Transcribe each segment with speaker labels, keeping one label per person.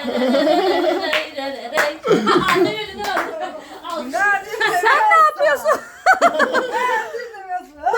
Speaker 1: Annem elinden aldı.
Speaker 2: Sen ne yapıyorsun? Ne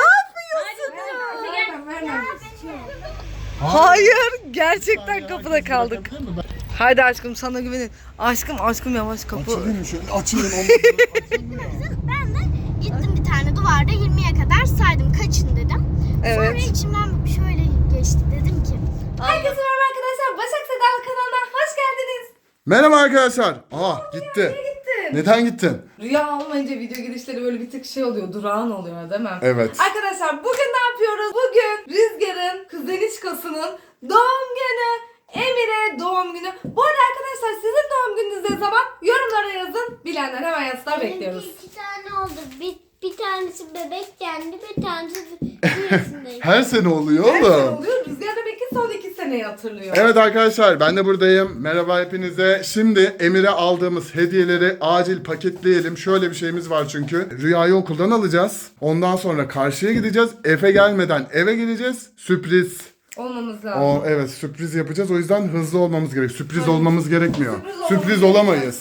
Speaker 2: yapıyorsun ya? Hayır, gerçekten kapıda kaldık. Haydi aşkım, sana güvenin. Aşkım yavaş kapı.
Speaker 3: Açayım şöyle, açayım
Speaker 4: Ben de gittim bir tane duvarda 20'ye kadar saydım, kaçın dedim. Sonra
Speaker 2: Evet.
Speaker 4: içimden şöyle geçti, dedim ki
Speaker 2: Herkese merhaba arkadaşlar. Başak Sedal kanalına hoş geldiniz.
Speaker 3: Merhaba arkadaşlar. Gitti. Neden gittin?
Speaker 2: Rüya olmayınca video girişleri böyle bir tık şey oluyor, durağan oluyor değil mi?
Speaker 3: Evet.
Speaker 2: Arkadaşlar bugün ne yapıyoruz? Bugün Rüzgar'ın kuzenişkasının doğum günü. Emir'e doğum günü. Bu arada arkadaşlar sizin doğum gününüz ne zaman? Yorumlara yazın. Bilenler hemen yazsınlar, bekliyoruz.
Speaker 4: benimki 2 tane oldu. Bir tanesi bebekken, bir tanesi bir yaşındaydı.
Speaker 3: Her sene oluyor
Speaker 2: Her sene
Speaker 3: oğlum.
Speaker 2: oluyor. Rüzgar da belki son 2 seneyi hatırlıyor.
Speaker 3: Evet arkadaşlar, ben de buradayım. Merhaba hepinize. Şimdi Emir'e aldığımız hediyeleri acil paketleyelim. Şöyle bir şeyimiz var çünkü. Rüyayı okuldan alacağız. Ondan sonra karşıya gideceğiz. Efe gelmeden eve gideceğiz. Sürpriz.
Speaker 2: Olmamız lazım.
Speaker 3: Evet, sürpriz yapacağız. O yüzden hızlı olmamız gerek. Sürpriz olmamız gerekmiyor.
Speaker 2: Sürpriz
Speaker 3: Sürpriz olamayız.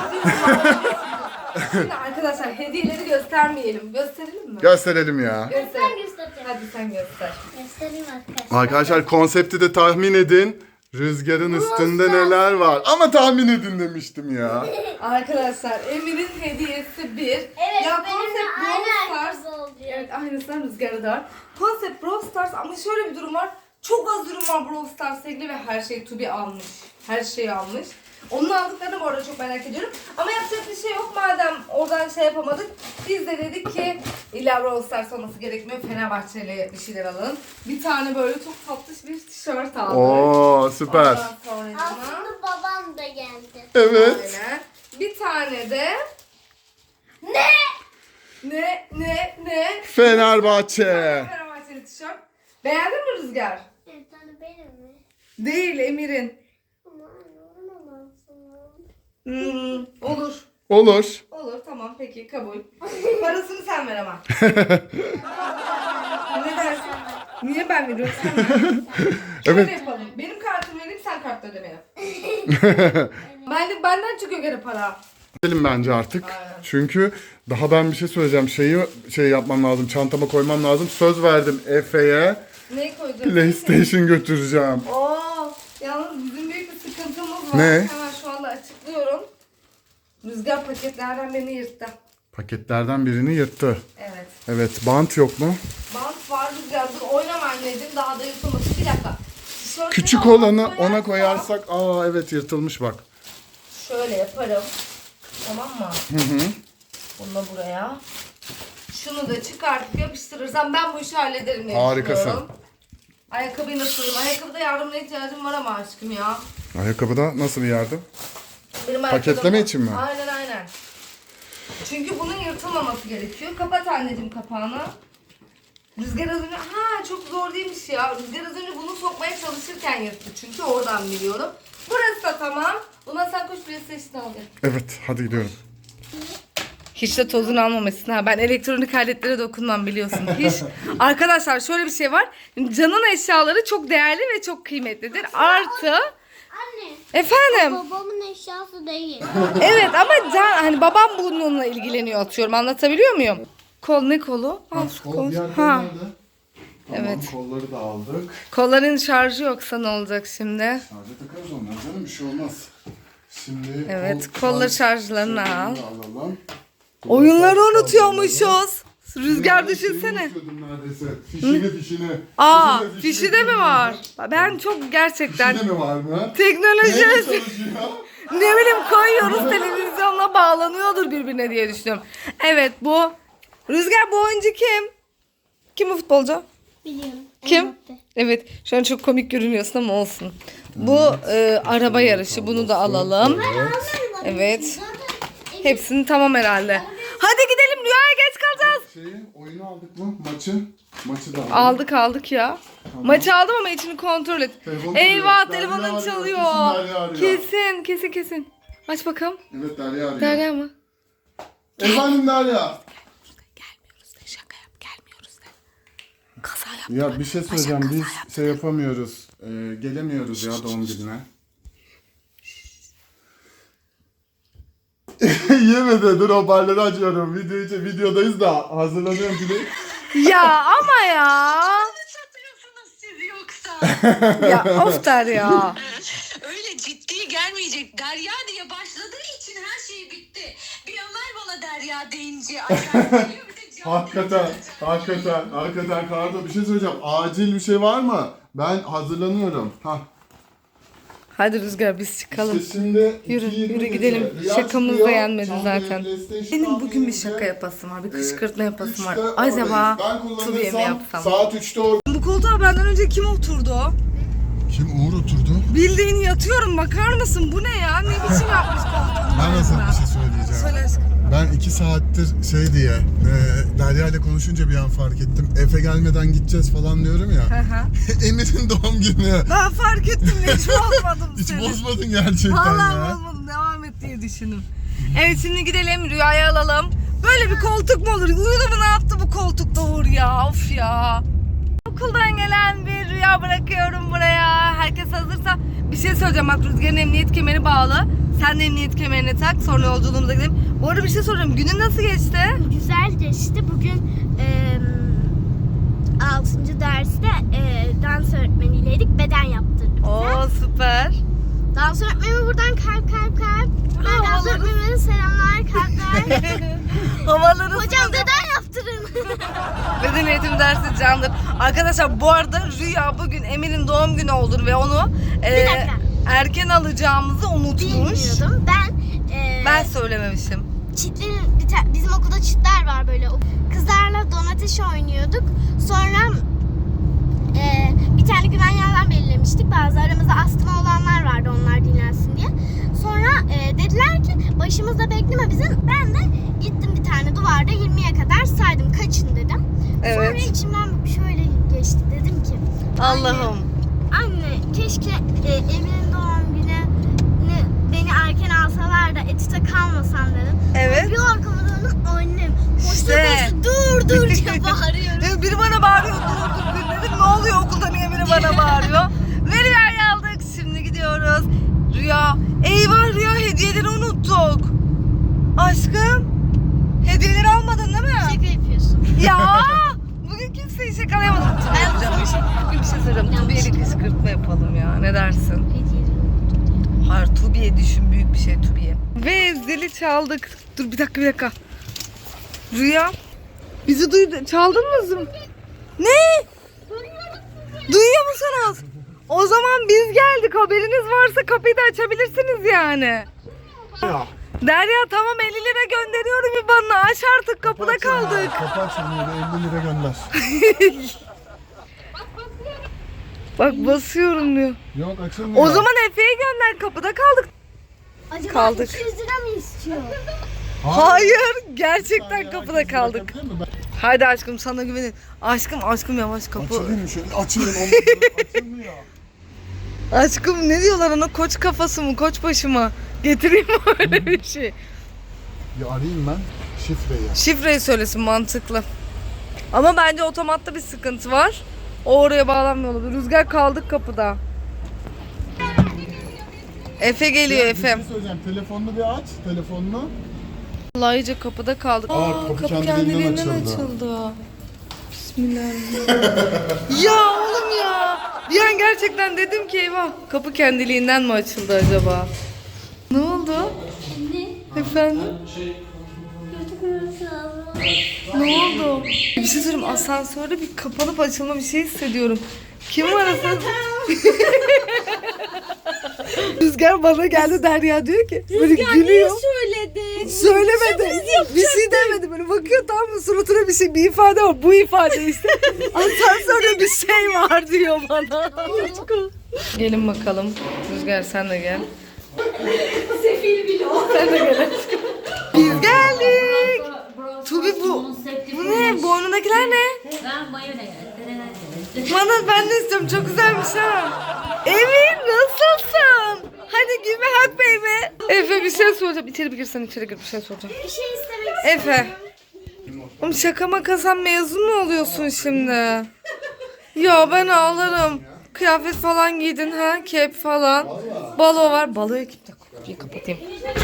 Speaker 2: Şimdi arkadaşlar hediyeleri göstermeyelim. Gösterelim mi?
Speaker 3: Gösterelim ya.
Speaker 4: Ben
Speaker 2: Gösterelim.
Speaker 4: göstereceğim.
Speaker 2: Hadi sen göster.
Speaker 4: Göstereyim arkadaşlar.
Speaker 3: Arkadaşlar konsepti de tahmin edin. Rüzgarın üstünde neler var. Ama tahmin edin demiştim ya.
Speaker 2: Arkadaşlar Emir'in hediyesi bir.
Speaker 4: Evet,
Speaker 2: ya
Speaker 4: benim de
Speaker 2: konsept
Speaker 4: aynı
Speaker 2: Brawl Stars.
Speaker 4: herkes olacak.
Speaker 2: Evet, aynısından Rüzgar'da da var. Konsept Brawl Stars ama şöyle bir durum var. Çok az ürün var Brawl Stars'la ilgili ve her şey Tubi almış. Her şeyi almış. Onun aldıklarını bu arada çok merak ediyorum. Ama yapacak bir şey yok, madem oradan şey yapamadık. Biz de dedik ki illa Brawl Stars olması gerekmiyor. Fenerbahçe'yle bir şeyler alın. Bir tane böyle çok tatlış bir tişört aldık.
Speaker 3: Oo süper.
Speaker 2: Ondan sonracığıma-
Speaker 4: Aslında babam da geldi.
Speaker 3: Evet.
Speaker 2: Aynen. Bir tane de
Speaker 4: Ne?
Speaker 2: ne?
Speaker 3: Fenerbahçe.
Speaker 2: Fenerbahçeli tişört. Beğendin mi Rüzgar?
Speaker 4: Bir tane benim mi?
Speaker 2: Değil, Emir'in.
Speaker 4: Aman olamazsın.
Speaker 2: Olur.
Speaker 3: Olur.
Speaker 2: Olur, tamam, peki, kabul. Parasını sen ver ama. Ne dersin? Niye ben veriyorum, sen ver. Şöyle
Speaker 3: Evet.
Speaker 2: yapalım. Benim kartımı vereyim, sen kartla ödeme yap. Benden çıkıyor gene para.
Speaker 3: Gidelim bence artık.
Speaker 2: Aynen.
Speaker 3: Çünkü daha ben bir şey söyleyeceğim. Şey yapmam lazım. Çantama koymam lazım. Söz verdim Efe'ye.
Speaker 2: Neyi koyacağız?
Speaker 3: PlayStation götüreceğim.
Speaker 2: Oo, yalnız bizim büyük bir sıkıntımız var.
Speaker 3: Ne?
Speaker 2: Hemen şu anda açıklıyorum. Rüzgar paketlerden birini yırttı.
Speaker 3: Paketlerden birini yırttı.
Speaker 2: Evet.
Speaker 3: Evet. Bant yok mu?
Speaker 2: Bant var Rüzgar. Dur oynama anneciğim. Daha da yırtılmasın. Bir dakika. Tişörtleri
Speaker 3: Küçük
Speaker 2: ona
Speaker 3: olanı ona
Speaker 2: koyarsam-
Speaker 3: koyarsak. Evet, yırtılmış bak.
Speaker 2: Şöyle yaparım. Tamam mı?
Speaker 3: Hı.
Speaker 2: Bunu da buraya. Şunu da çıkartıp yapıştırırsam ben bu işi hallederim diye
Speaker 3: Harikasın.
Speaker 2: düşünüyorum. Ayakkabıyı nasıl alayım? Ayakkabıda yardımına ihtiyacım var ama aşkım ya.
Speaker 3: Ayakkabıda nasıl bir yardım?
Speaker 2: Benim
Speaker 3: Paketleme
Speaker 2: ayakkabım-
Speaker 3: için mi?
Speaker 2: Aynen. Çünkü bunun yırtılmaması gerekiyor. Kapat anneciğim kapağını. Rüzgar az önce... çok zor değilmiş ya. Rüzgar az önce bunu sokmaya çalışırken yırttı. Çünkü oradan biliyorum. Burası da tamam. Buna sen koş PlayStation al.
Speaker 3: Evet. Hadi gidiyorum.
Speaker 2: Hiç de tozunu almamışsın ha. Ben elektronik aletlere dokunmam, biliyorsun. Hiç. Arkadaşlar şöyle bir şey var. Can'ın eşyaları çok değerli ve çok kıymetlidir. Artı...
Speaker 4: Anne.
Speaker 2: Efendim?
Speaker 4: Babamın eşyası değil.
Speaker 2: Evet ama Can, hani babam bununla ilgileniyor, atıyorum. Anlatabiliyor muyum? Kol ne kolu? Al şu kol. Ha. Evet.
Speaker 3: Kolları da aldık.
Speaker 2: Kolların şarjı yoksa ne olacak şimdi?
Speaker 3: Şarja takarız onlar canım, bir şey olmaz. Şimdi
Speaker 2: Evet, kolları şarjlarını al.
Speaker 3: alalım.
Speaker 2: Oyunları unutuyormuşuz. Rüzgar düşünsene.
Speaker 3: Neredeyse. Fişini.
Speaker 2: Fişi de mi var? Ben çok gerçekten
Speaker 3: Fişi de mi var mı?
Speaker 2: teknoloji
Speaker 3: Neyle çalışıyor?
Speaker 2: ne bileyim koyuyoruz, televizyonla bağlanıyordur birbirine diye düşünüyorum. Evet, bu Rüzgar, bu oyuncu kim? Kim bu futbolcu?
Speaker 4: Biliyorum.
Speaker 2: Kim?
Speaker 4: Mbappe.
Speaker 2: Evet, şu an çok komik görünüyorsun ama olsun. Bu araba yarışı, bunu da alalım. Evet. Hepsini tamam herhalde. Hadi gidelim, rüyaya geç kalacağız.
Speaker 3: Oyunu aldık mı? Maçı da
Speaker 2: Aldık ya.
Speaker 3: Tamam.
Speaker 2: Maçı aldım ama içini kontrol et.
Speaker 3: Telefon
Speaker 2: Eyvah,
Speaker 3: çalıyor.
Speaker 2: telefonun
Speaker 3: Derya arıyor,
Speaker 2: çalıyor.
Speaker 3: kesin Derya arıyor.
Speaker 2: Kesin. Aç bakalım.
Speaker 3: Evet, Derya arıyor.
Speaker 2: Derya mı?
Speaker 3: Efendim Derya.
Speaker 2: Gelmiyoruz de, şaka yap, gelmiyoruz de. Kaza yap.
Speaker 3: Ya bir şey söyleyeceğim, biz şey yapamıyoruz. Gelemiyoruz ya doğum gününe. Yemedi. Dur hoparlörü açıyorum. Videodayız da hazırlanıyorum şimdi.
Speaker 2: Ya ama ya.
Speaker 5: Satıyorsunuz siz yoksa.
Speaker 2: Ya of Derya.
Speaker 5: Öyle ciddi gelmeyecek. Derya diye başladığı için her şey bitti. Bir Ömer bana Derya deyince acayip geliyor. Bir de can
Speaker 3: Hakikaten Kardo bir şey söyleyeceğim. Acil bir şey var mı? Ben hazırlanıyorum. Hah.
Speaker 2: Hadi Rüzgar biz çıkalım.
Speaker 3: İşte şimdi
Speaker 2: Yürü,
Speaker 3: 2:20
Speaker 2: yürü gidelim.
Speaker 3: gece. Rüya
Speaker 2: Şakamız da
Speaker 3: çıkıyor,
Speaker 2: yenmedi
Speaker 3: çantaya
Speaker 2: zaten.
Speaker 3: PlayStation
Speaker 2: Benim bugün bir
Speaker 3: gelince,
Speaker 2: şaka yapasım var. Bir kışkırtma yapasım var.
Speaker 3: 3'te
Speaker 2: Acaba
Speaker 3: oradayız. Ben
Speaker 2: Tubi'ye mi
Speaker 3: kullanırsam
Speaker 2: yapsam?
Speaker 3: saat 3'te orada.
Speaker 2: Bu koltuğa benden önce kim oturdu?
Speaker 3: Kim Uğur oturdu?
Speaker 2: Bildiğin yatıyorum, bakar mısın? Bu ne ya? Ne biçim yapmış koltuğunu?
Speaker 3: Ben nasıl bir şey söyleyeceğim?
Speaker 2: Söyle aşkım.
Speaker 3: Ben 2 saattir şey diye Derya ile konuşunca bir an fark ettim. Efe gelmeden gideceğiz falan diyorum ya.
Speaker 2: Hı hı.
Speaker 3: Emir'in doğum günü.
Speaker 2: Ben fark ettim de hiç bozmadım
Speaker 3: Hiç
Speaker 2: seni.
Speaker 3: bozmadın gerçekten
Speaker 2: Vallahi
Speaker 3: ya.
Speaker 2: bozmadım, devam et diye düşündüm. Evet şimdi gidelim, Rüya'yı alalım. Böyle bir koltuk mu olur? Uyudu mu, ne yaptı bu koltukta Uğur ya? Of ya. Okuldan gelen bir Rüya bırakıyorum buraya. Herkes hazırsa bir şey söyleyeceğim. Bak Rüzgar'ın emniyet kemeri bağlı. Sen de emniyet kemerini tak, sonra yolculuğumuza gidelim. Bu arada bir şey soracağım. Günün nasıl geçti?
Speaker 4: Güzel geçti. Bugün 6. derste dans öğretmeniyleydik. Beden yaptırdı bize.
Speaker 2: Oo süper.
Speaker 4: Dans öğretmenime buradan kalp. Ben dans
Speaker 2: havaları-
Speaker 4: öğretmenime selamlar, kalpler.
Speaker 2: Havaları
Speaker 4: Hocam beden yaptırın.
Speaker 2: Beden eğitim dersi candır. Arkadaşlar bu arada Rüya bugün Emir'in doğum günü olur ve onu
Speaker 4: dakika.
Speaker 2: erken alacağımızı unutmuş.
Speaker 4: Bilmiyordum.
Speaker 2: Ben söylememişim.
Speaker 4: Çitlerin bizim okulda çitler var böyle. Kızlarla donateş oynuyorduk. Sonra bir tane güvenli alan belirlemiştik. Bazı aramızda astma olanlar vardı, onlar dinlensin diye. Sonra dediler ki başımızda bekleme bizim. Ben de gittim bir tane duvarda 20'ye kadar saydım. Kaçın dedim.
Speaker 2: Evet.
Speaker 4: Sonra içimden şöyle geçti. Dedim ki
Speaker 2: Allah'ım.
Speaker 4: Anne keşke Emir'in doğum günü beni erken alsalar da etüte kalmasam dedim.
Speaker 2: Evet.
Speaker 4: Bir arkamı döndüm, annem
Speaker 2: İşte.
Speaker 4: dur diye bağırıyorum.
Speaker 2: Biri bana bağırıyor, dur dedim. Ne oluyor okulda, niye biri bana bağırıyor? Ve Rüya'yı aldık. Şimdi gidiyoruz. Rüya. Eyvah Rüya, hediyeleri unuttuk. Aşkım. Hediyeleri almadın değil mi?
Speaker 4: Şaka yapıyorsun.
Speaker 2: Ya bugün kimseyi şakalayamadım. Ben yapacağım bir şey. Bugün bir şey söyleyeceğim. Tubi'ye bir kışkırtma yapalım ya. Ne dersin? Hayır, Tubi'ye düşün. Büyük bir şey Tubi'ye. Ve zili çaldık. Dur bir dakika. Rüya. Bizi duydu. Çaldınız mı? Ne? Duyuyor musunuz? O zaman biz geldik. Haberiniz varsa kapıyı da açabilirsiniz yani. Derya tamam, 50 lira gönderiyorum IBAN'ına. Aç artık, kapıda kaldık.
Speaker 3: Kapat şunu, 50 lira gönder.
Speaker 2: Bak basıyorum diyor.
Speaker 3: Yok açılmıyor.
Speaker 2: O zaman Efe'ye gönder, kapıda kaldık.
Speaker 4: Acaba
Speaker 2: Kaldık.
Speaker 4: 200 lira mı istiyor?
Speaker 2: Hayır, gerçekten kapıda
Speaker 3: Herkes
Speaker 2: kaldık.
Speaker 3: bakabilir mi?
Speaker 2: Haydi aşkım, sana güvenin. Aşkım yavaş kapı.
Speaker 3: Açılayım şöyle, açılın. Açılmıyor.
Speaker 2: Aşkım ne diyorlar ona, koç kafası mı, koç başı mı? Getireyim mi öyle bir şey?
Speaker 3: Bir arayayım ben şifreyi.
Speaker 2: Şifreyi söylesin, mantıklı. Ama bence otomatta bir sıkıntı var. O oraya bağlanmıyor olabilir. Rüzgar, kaldık kapıda. Efe geliyor,
Speaker 3: Bir
Speaker 2: Efe.
Speaker 3: şey söyleyeceğim. Telefonunu bir aç. Telefonunu.
Speaker 2: Vallahi iyice kapıda kaldık.
Speaker 3: Kapı kendiliğinden
Speaker 2: açıldı. Bismillahirrahmanirrahim. Ya oğlum ya. Bir an gerçekten dedim ki eyvah, kapı kendiliğinden mi açıldı acaba? Ne oldu? Efendim? Ne oldu? Bir şey söyleyeyim, asansörde bir kapanıp açılma bir şey hissediyorum. Kim var asansörde? Rüzgar bana geldi, Derya diyor ki böyle gülüyor.
Speaker 1: Söyledin.
Speaker 2: Söylemedi. Bir şey demedi, böyle bakıyor, tamam mı, suratına bir ifade var. Bu ifade işte. Asansörde bir şey var diyor bana. Gelin bakalım. Rüzgar sen de gel.
Speaker 1: Sefil bile o.
Speaker 2: Sen de gel aşkım. Biz geldik. Tubi bu. Bu ne? Boynundakiler ne?
Speaker 1: Ben mayonez.
Speaker 2: Bana, ben de istiyorum. Çok güzelmiş ha. Emin nasılsın? Hadi give me hug baby. Efe bir şey soracağım. İçeri bir girsen, içeri gir, bir şey soracağım.
Speaker 4: Bir şey istemek
Speaker 2: Efe. Oğlum şaka maka, sen mezun mu oluyorsun şimdi? Ya ben ağlarım. Kıyafet falan giydin ha, kep falan. Balo var. Baloya git. Kapıyı kapatayım.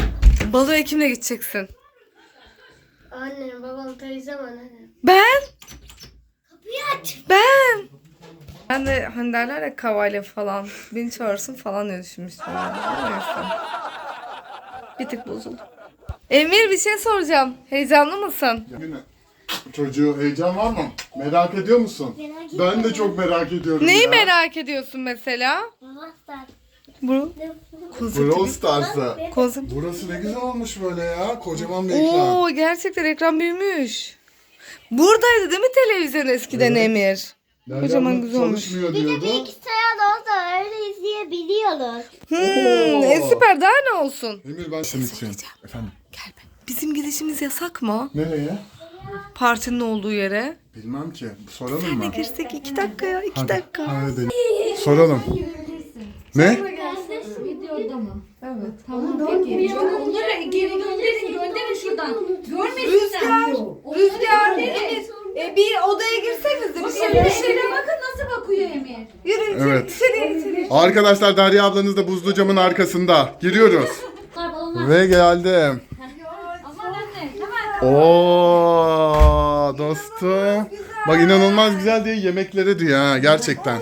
Speaker 2: Baloya kimle gideceksin?
Speaker 4: Annem, babam, teyzem, annem.
Speaker 2: Ben.
Speaker 4: Kapıyı aç.
Speaker 2: Ben de hani derler ya Kavalya falan. Beni çağırsın falan diye düşünmüştüm. Neyse. Bir tık bozuldum. Emir bir şey soracağım. Heyecanlı mısın?
Speaker 3: Yine. Çocuğu heyecan var mı? Merak ediyor musun? Ben de çok merak ediyorum
Speaker 2: Neyi
Speaker 3: ya.
Speaker 2: merak ediyorsun mesela? Bu
Speaker 3: Brawl Stars'ı.
Speaker 2: konsept.
Speaker 3: Burası ne güzel olmuş böyle ya. Kocaman bir ekran.
Speaker 2: Oo gerçekten ekran büyümüş. Buradaydı değil mi televizyon eskiden
Speaker 3: Evet.
Speaker 2: Emir?
Speaker 3: Derya
Speaker 2: Kocaman
Speaker 3: bu
Speaker 2: güzel olmuş.
Speaker 3: çalışmıyor
Speaker 4: Bir de
Speaker 3: diyordu.
Speaker 4: bilgisayar da olsa öyle izleyebiliyoruz.
Speaker 2: Süper daha ne olsun?
Speaker 3: Emir ben senin için. Efendim?
Speaker 2: Gel be. Bizim gidişimiz yasak mı?
Speaker 3: Nereye?
Speaker 2: Partinin olduğu yere.
Speaker 3: Bilmem ki. Soralım mı?
Speaker 2: Girsek 2 dakikaya 2
Speaker 3: Hadi.
Speaker 2: dakika.
Speaker 3: Hadi. Soralım. Ne?
Speaker 1: Videoda mı? Evet. Tamam peki. Onları geri gönderin şuradan. Görmesin sen.
Speaker 2: Rüzgar, Emir. Bir odaya girseniz de bir
Speaker 1: Bir şeyle bakın nasıl bakıyor Emir.
Speaker 2: Yürü
Speaker 3: Evet.
Speaker 2: içeri.
Speaker 3: Arkadaşlar Derya ablanız da buzlu camın arkasında. Giriyoruz. Ve geldim.
Speaker 1: Aman anne hemen.
Speaker 3: Oo dostum. Bak inanılmaz güzel diye yemeklere diyor ha gerçekten.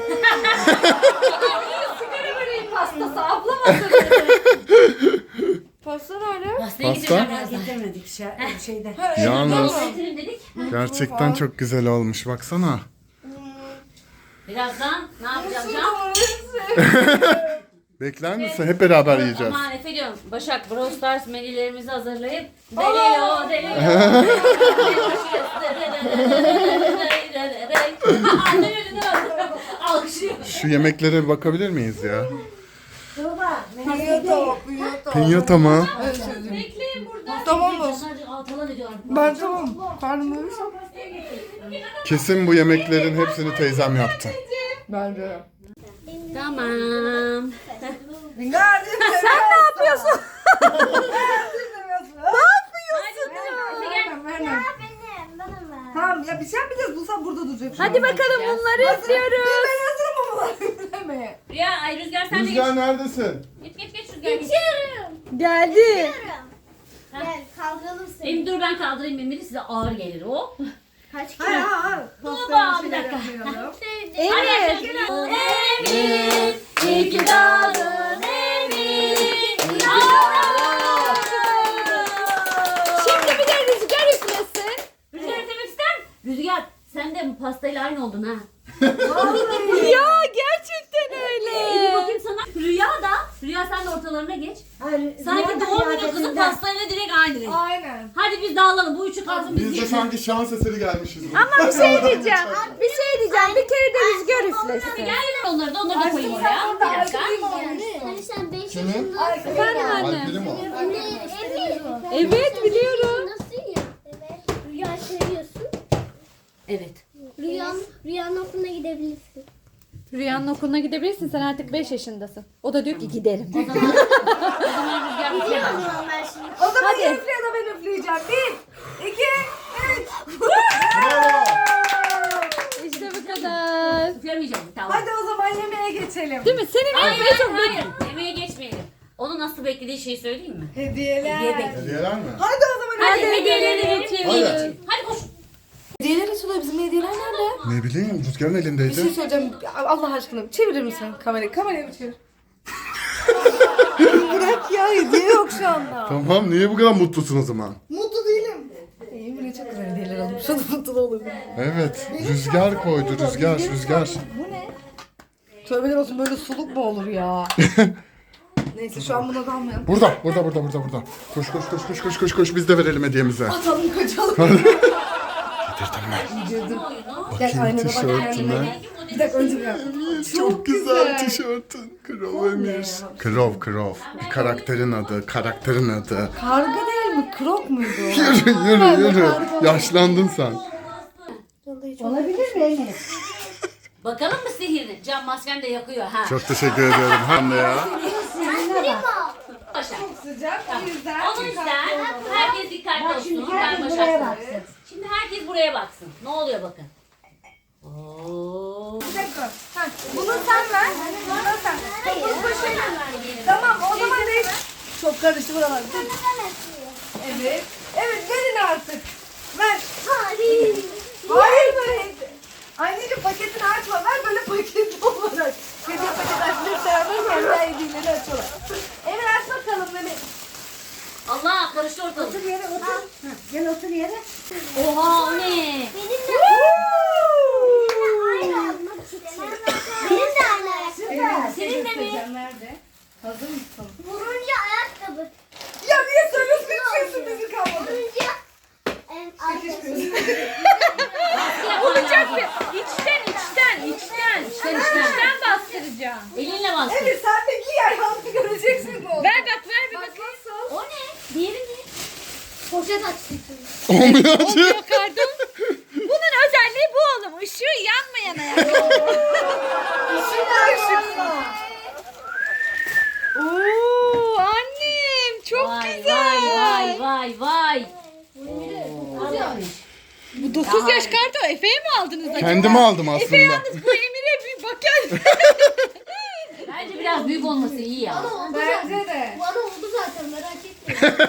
Speaker 1: Sigara böreği pastası ablam hazırladı.
Speaker 2: Pasta nerede?
Speaker 3: Pasta
Speaker 6: Getirmedik şeyden.
Speaker 3: yalnız
Speaker 5: Getirin dedik.
Speaker 3: gerçekten çok güzel olmuş baksana.
Speaker 5: Birazdan ne yapacağım Can?
Speaker 3: Bekler misin? Hep beraber yiyeceğiz.
Speaker 5: Aman Efe diyorum. Başak Brawl Stars menülerimizi hazırlayıp Delio. Annem elini aldı. Alkışlıyor.
Speaker 3: Şu yemeklere bir bakabilir miyiz ya?
Speaker 2: Pinyata.
Speaker 3: Pinyata mı?
Speaker 5: Bekleyin burada.
Speaker 2: Tamam mı?
Speaker 5: Sadece altalan ediyorlar.
Speaker 2: Ben tamam. Karnım ölmüş.
Speaker 3: Kesin bu yemeklerin hepsini teyzem yaptı.
Speaker 2: Bence.
Speaker 5: Tamam.
Speaker 2: Sen ne yapıyorsun?
Speaker 4: Benim, bana ver.
Speaker 2: Tamam ya bir şey yapmayacağız. Bulsam burada duracak.
Speaker 1: Hadi bakalım bunları izliyoruz.
Speaker 2: Ben hazırım ama üflemeye.
Speaker 5: Rüya, ay Rüzgar sen de geç.
Speaker 3: Rüzgar neredesin?
Speaker 5: Geç Rüzgar geç.
Speaker 1: Geldi.
Speaker 4: Gel kaldıralım seni.
Speaker 5: Benim dur ben kaldırayım Emir'i size ağır gelir o.
Speaker 4: Kaç kilo?
Speaker 2: Hayır.
Speaker 5: Baba bir dakika.
Speaker 1: Emir.
Speaker 5: Emir, iyi ki doğdun Emir.
Speaker 1: Şimdi bir de rüzgar üflesin.
Speaker 5: Rüzgar demek ister misin? Rüzgar sen de bu pastayla aynı oldun ha.
Speaker 1: Ya gerçekten öyle.
Speaker 5: Bir bakayım sana. Rüya sen de ortalarına geç. Sanki doğum günü kızı pastayla direkt aynı renk.
Speaker 2: Aynen.
Speaker 5: Hadi biz dağılalım. Bu üçü kalsın biz
Speaker 3: Biz de
Speaker 5: yiyelim.
Speaker 3: sanki şans eseri gelmişiz.
Speaker 1: Ama bir şey diyeceğim. Bir şey diyeceğim. Bir kere de rüzgar üflesin.
Speaker 5: Gel onları da koyayım oraya. Bir dakika.
Speaker 4: Hani sen 5
Speaker 3: Kimin?
Speaker 4: yaşındasın.
Speaker 1: Efendim anne.
Speaker 3: Alperim o.
Speaker 1: Evet biliyorum.
Speaker 4: Nasıl ya? Evet. Rüya seviyorsun.
Speaker 5: Evet.
Speaker 4: Rüyanın okuluna gidebilirsin.
Speaker 1: Rüyanın okuluna gidebilirsin. Sen artık 5 yaşındasın. O da diyor ki gidelim.
Speaker 5: O zaman Rüzgar
Speaker 4: Gidiyorum
Speaker 5: bitiremez.
Speaker 4: o zaman ben şimdi.
Speaker 2: O zaman
Speaker 1: Hadi.
Speaker 2: üfle ya da ben üfleyeceğim. 1, 2, 3.
Speaker 3: Bravo.
Speaker 1: İşte bu kadar.
Speaker 5: Üflemeyeceğim. Tamam.
Speaker 2: Hadi o zaman yemeğe geçelim.
Speaker 1: Değil mi? Senin
Speaker 5: Hayır. Yemeğe geçmeyelim. Onun nasıl beklediği şeyi söyleyeyim mi?
Speaker 2: Hediyeler.
Speaker 5: Hediye bekliyor.
Speaker 3: Hediyeler mi?
Speaker 2: Hadi o zaman
Speaker 5: Hadi
Speaker 2: hediyeleri
Speaker 5: hediyeleri verelim.
Speaker 3: Hadi.
Speaker 5: Hadi koş.
Speaker 2: Hediyeler açılıyor. Bizim hediyeler nerede?
Speaker 3: Ne bileyim Rüzgar'ın
Speaker 2: Bir şey
Speaker 3: elindeydi.
Speaker 2: söyleyeceğim. Allah aşkına çevirir misin kamerayı? Kamerayı bir çevir. Bırak ya hediye yok şu anda.
Speaker 3: Tamam niye bu kadar mutlusun o zaman?
Speaker 2: Mutlu değilim. Emine çok güzel hediyeler almış. Şu an mutlu olur.
Speaker 3: Evet. Rüzgar koydu Rüzgar.
Speaker 2: Bu ne? Tövbeler olsun böyle suluk mu olur ya? Neyse şu an buna dalmayalım.
Speaker 3: Burada. Koş biz de verelim hediyemizi.
Speaker 2: Atalım kaçalım.
Speaker 3: Getirdim mi?
Speaker 2: Gel
Speaker 3: Bakayım
Speaker 2: aynada bak.
Speaker 3: tişörtüne.
Speaker 2: Bir dakika önce bir dakika.
Speaker 3: Çok güzel tişörtün. Krov Emir. Krov. Bir karakterin adı.
Speaker 2: Karga değil mi? Krok muydu?
Speaker 3: Yürü. Yaşlandın sen.
Speaker 6: Olabilir mi Emir?
Speaker 5: Bakalım mı sihirini? Cam masken de yakıyor ha.
Speaker 3: Çok teşekkür ediyorum. Hem de ya.
Speaker 5: Başak.
Speaker 2: Sıcak o yüzden.
Speaker 5: O yüzden herkes dikkatli olsun.
Speaker 6: Şimdi
Speaker 5: Ben
Speaker 6: herkes buraya
Speaker 5: Başak.
Speaker 6: baksın.
Speaker 5: Şimdi herkes buraya baksın. Ne oluyor bakın. Oo.
Speaker 2: Bir dakika. Bunu sen ver. Bunu sen. Tamam o zaman değil. Çok karıştı buralar. Dur. Evet. Evet verin artık. Ver.
Speaker 4: Hayır.
Speaker 2: Hayır böyle. Anneciğim paketini açma. Ver böyle paketli olarak. Hediye paketi açılır beraber kendi hediyeleri açalım. Emir aç bakalım Mehmet.
Speaker 1: Allah karıştı ortalık.
Speaker 6: Otur yere otur. Heh, gel otur yere.
Speaker 1: Oha o ne?
Speaker 4: Benim de aynı almak istemem. Benim de aynı ayakkabı.
Speaker 1: Senin de mi?
Speaker 2: Nerede? Hazır mısın?
Speaker 4: Vurunca ayakkabı.
Speaker 2: Ya niye söylüyorsun? Hiç sürprizi kalmadı.
Speaker 4: Vurunca ayakkabı.
Speaker 1: Olacak mı? İçten bastıracağım. Elinle bastır.
Speaker 2: Evet sen de giy ayağını göreceksin onu.
Speaker 1: Ver bir bakayım.
Speaker 2: Nasıl?
Speaker 1: O ne? Diğeri ne?
Speaker 4: Poşet açtım.
Speaker 3: Olmuyor acı.
Speaker 1: Pardon. Bunun özelliği bu oğlum. Işığı yanmayan ayakkabı. Oo annem çok güzel. Vay. Bu 9 yaş kartı Efe'ye mi aldınız acaba?
Speaker 3: Kendime aldım aslında.
Speaker 1: Efe yalnız bu Emir'e bir bakar. Bence biraz büyük olması iyi ya.
Speaker 2: Bence de.
Speaker 4: Bana oldu zaten merak etme.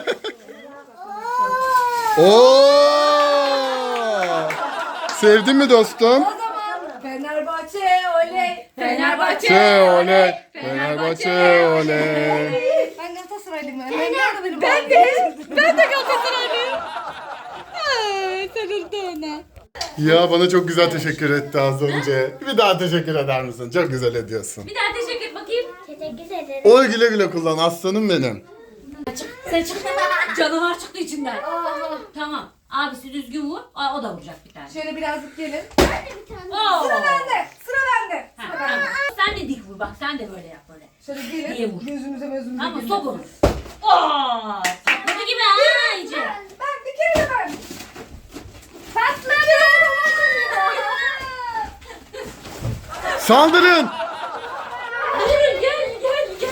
Speaker 3: Oo! Sevdin mi dostum?
Speaker 2: O zaman Fenerbahçe oley.
Speaker 3: Fenerbahçe oley. Fenerbahçe oley.
Speaker 2: Ben Galatasaraylıyım. Nerede benim?
Speaker 1: Ben de Galatasaraylıyım. Sarıldı ona.
Speaker 3: Ya bana çok güzel teşekkür etti az önce. Bir daha teşekkür eder misin? Çok güzel ediyorsun.
Speaker 1: Bir daha teşekkür et bakayım.
Speaker 4: Teşekkür ederim.
Speaker 3: Oy güle güle kullan aslanım benim.
Speaker 1: Sen çıktı. Canavar çıktı içinden. Tamam. Abisi düzgün vur. O da vuracak bir tane.
Speaker 2: Şöyle birazcık gelin.
Speaker 1: Oo.
Speaker 2: Sıra bende. Sıra bende.
Speaker 1: Ha, tamam. Sen de dik vur bak. Sen de böyle yap böyle.
Speaker 2: Şöyle
Speaker 1: Diye
Speaker 2: gelin.
Speaker 1: vur.
Speaker 2: Gözümüze
Speaker 1: Ama
Speaker 2: gelin.
Speaker 1: sok onu. Oo. Sakladı gibi ha iyice.
Speaker 2: Ben bir kere de ben.
Speaker 3: Saldırın.
Speaker 1: Gel.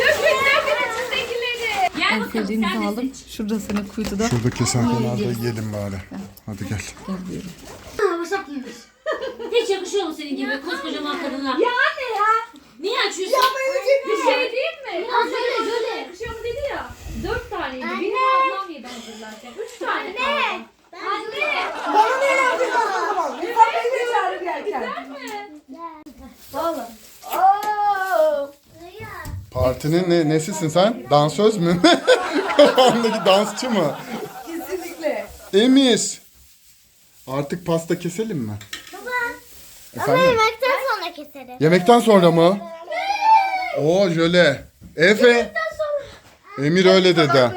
Speaker 1: Gel bakalım sen de seç.
Speaker 2: Şurada senin kuytuda.
Speaker 3: Şurada kesen kenarda yiyelim bari. Hadi gel.
Speaker 1: Hiç yakışıyor mu senin gibi koskocaman kadına? Ya anne ya. Niye açıyorsun? Bir şey değil mi?
Speaker 4: Şöyle.
Speaker 1: Yakışıyor mu dedi ya. 4 taneydi. Benim ablam yedi hazırlarken. 3 tane kaldı. Anne.
Speaker 2: Bana ne yaptın o zaman? Sen beni de çağırır gelken. Valla.
Speaker 3: Partinin nesisin sen? Dansöz mü? Kafamdaki dansçı mı?
Speaker 2: Kesinlikle.
Speaker 3: Emir. Artık pasta keselim mi?
Speaker 4: Baba.
Speaker 3: Efendim?
Speaker 4: Yemekten sonra keserim.
Speaker 3: Yemekten sonra mı? Oo jöle. Efe. Emir öyle dedi.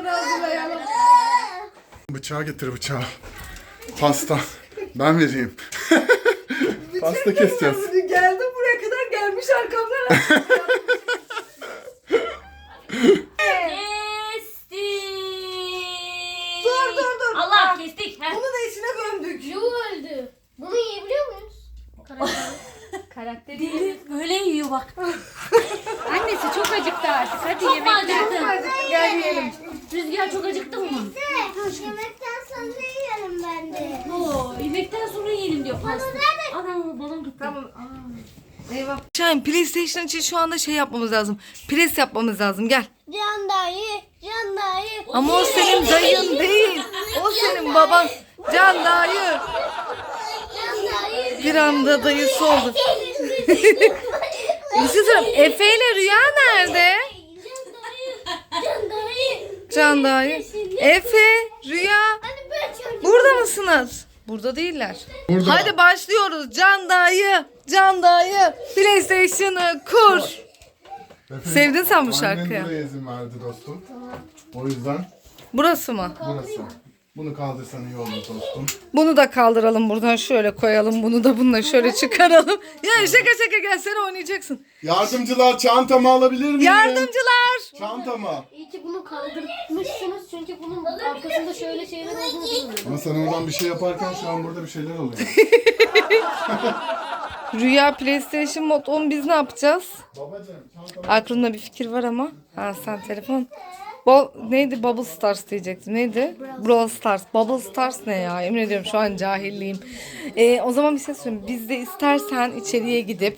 Speaker 3: Bıçağı getir bıçağı. Pasta. Ben vereyim. Pasta keseceğiz.
Speaker 2: Geldim buraya kadar gelmiş arkamdan.
Speaker 1: Kestik.
Speaker 2: Dur.
Speaker 1: Allah kestik.
Speaker 2: Bunu da içine gömdük.
Speaker 4: öldü. Bunu yiyebiliyor muyuz?
Speaker 1: Deli böyle yiyor bak.
Speaker 7: Annesi çok acıktı artık. Hadi
Speaker 1: Çok mu
Speaker 7: yemekten.
Speaker 1: acıktın?
Speaker 2: Gel yiyelim.
Speaker 1: Rüzgar çok acıktın mı?
Speaker 4: Yemekten sonra yiyelim ben de.
Speaker 1: Oo, yemekten sonra yiyelim diyor pasta. Ana balon gitti.
Speaker 2: Tamam. Eyvah. Şahin PlayStation için şu anda şey yapmamız lazım. Pres yapmamız lazım. Gel.
Speaker 4: Can dayı.
Speaker 2: Ama o senin dayın değil. O senin baban. Can dayı.
Speaker 4: Can dayı.
Speaker 2: Bir anda dayısı oldu. Bir şey söyleyeyim. Efe ile Rüya nerede? Can dayı. Efe, Rüya. Burada mısınız? Burada değiller.
Speaker 3: Burada.
Speaker 2: Hadi başlıyoruz. Can dayı. PlayStation'ı kur.
Speaker 3: Efe,
Speaker 2: Sevdin sen bu şarkıyı.
Speaker 3: Annen buraya izin verdi dostum. O yüzden
Speaker 2: Burası mı?
Speaker 3: burası. Bunu kaldırsan iyi olur dostum.
Speaker 2: Bunu da kaldıralım buradan şöyle koyalım. Bunu da bununla şöyle çıkaralım. Ya şaka gelsene oynayacaksın.
Speaker 3: Yardımcılar çantamı alabilir miyim?
Speaker 2: Yardımcılar.
Speaker 3: Çantamı.
Speaker 4: İyi ki bunu kaldırmışsınız çünkü bunun arkasında şöyle şeyler olduğunu bilmiyorum.
Speaker 3: Ama sen oradan bir şey yaparken şu an burada bir şeyler oluyor.
Speaker 2: Rüya PlayStation Mod 10 biz ne yapacağız?
Speaker 3: Babacığım çantamı.
Speaker 2: Aklımda bir fikir var ama. Ha sen telefon. Neydi? Bubble Stars diyecektim. Neydi? Brawl Stars. Bubble Stars ne ya? Emin ediyorum şu an cahilliyim. O zaman bir şey söyleyeyim. Biz de istersen içeriye gidip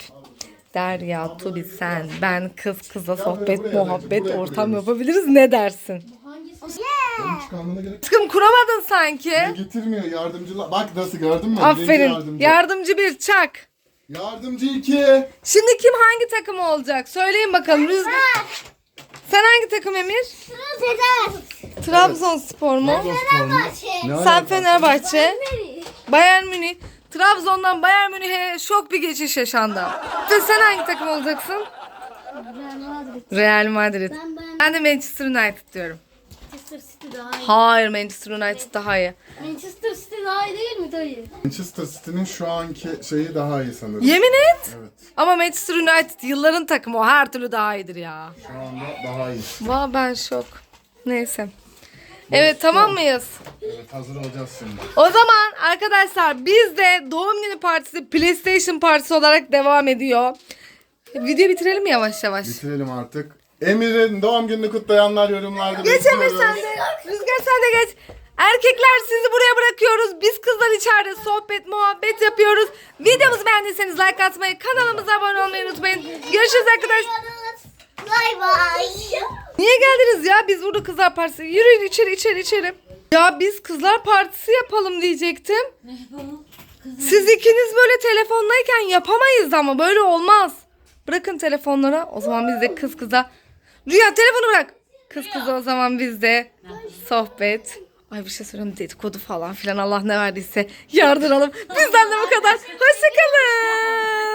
Speaker 2: Derya, Tubi, sen, ben, kız kıza sohbet, muhabbet, ortam yapabiliriz. Ne dersin?
Speaker 3: Benim çıkarmana gerek
Speaker 2: Aşkım kuramadın sanki.
Speaker 3: getirmiyor yardımcılar. Bak nasıl gördün mü? Birinci
Speaker 2: Aferin.
Speaker 3: Yardımcı.
Speaker 2: Yardımcı bir çak.
Speaker 3: Yardımcı 2.
Speaker 2: Şimdi kim hangi takım olacak? Söyleyin bakalım. Rüzgar. Sen hangi takım Emir? Trabzonspor mu? Sen Fenerbahçe. Bayern Münih. Trabzon'dan Bayern Münih'e şok bir geçiş yaşandı. Ve sen hangi takım olacaksın? Real Madrid. Ben de Manchester United diyorum.
Speaker 1: Manchester City daha iyi.
Speaker 2: Hayır, Manchester United daha iyi.
Speaker 1: Manchester City daha iyi değil mi dayı?
Speaker 3: Manchester City'nin şu anki şeyi daha iyi sanırım.
Speaker 2: Yemin et.
Speaker 3: Evet.
Speaker 2: Ama Manchester United yılların takımı, o her türlü daha iyidir ya.
Speaker 3: Şu anda daha iyi.
Speaker 2: Vay ben şok. Neyse. Evet, tamam mıyız?
Speaker 3: Evet, hazır olacağız şimdi.
Speaker 2: O zaman arkadaşlar bizde doğum günü partisi PlayStation partisi olarak devam ediyor. Videoyu bitirelim mi yavaş yavaş?
Speaker 3: Bitirelim artık. Emir'in doğum gününü kutlayanlar yorumlarda
Speaker 2: Geç Emir sen de. Rüzgar sen de geç. Erkekler sizi buraya bırakıyoruz. Biz kızlar içeride sohbet, muhabbet yapıyoruz. Videomuzu beğendiyseniz like atmayı, kanalımıza abone olmayı unutmayın. Görüşürüz arkadaşlar.
Speaker 4: Bay bay.
Speaker 2: Niye geldiniz ya? Biz burada kızlar partisi. Yürüyün içeri. Ya biz kızlar partisi yapalım diyecektim.
Speaker 1: Ne yapalım?
Speaker 2: Siz ikiniz böyle telefonlayken yapamayız ama böyle olmaz. Bırakın telefonlara. O zaman biz de kız kıza. Rüya telefonu bırak. Kız kıza o zaman biz de sohbet. Ay bir şey söyleyeyim, dedikodu falan filan, Allah ne verdiyse yardıralım. Bizden de bu kadar. Hoşçakalın.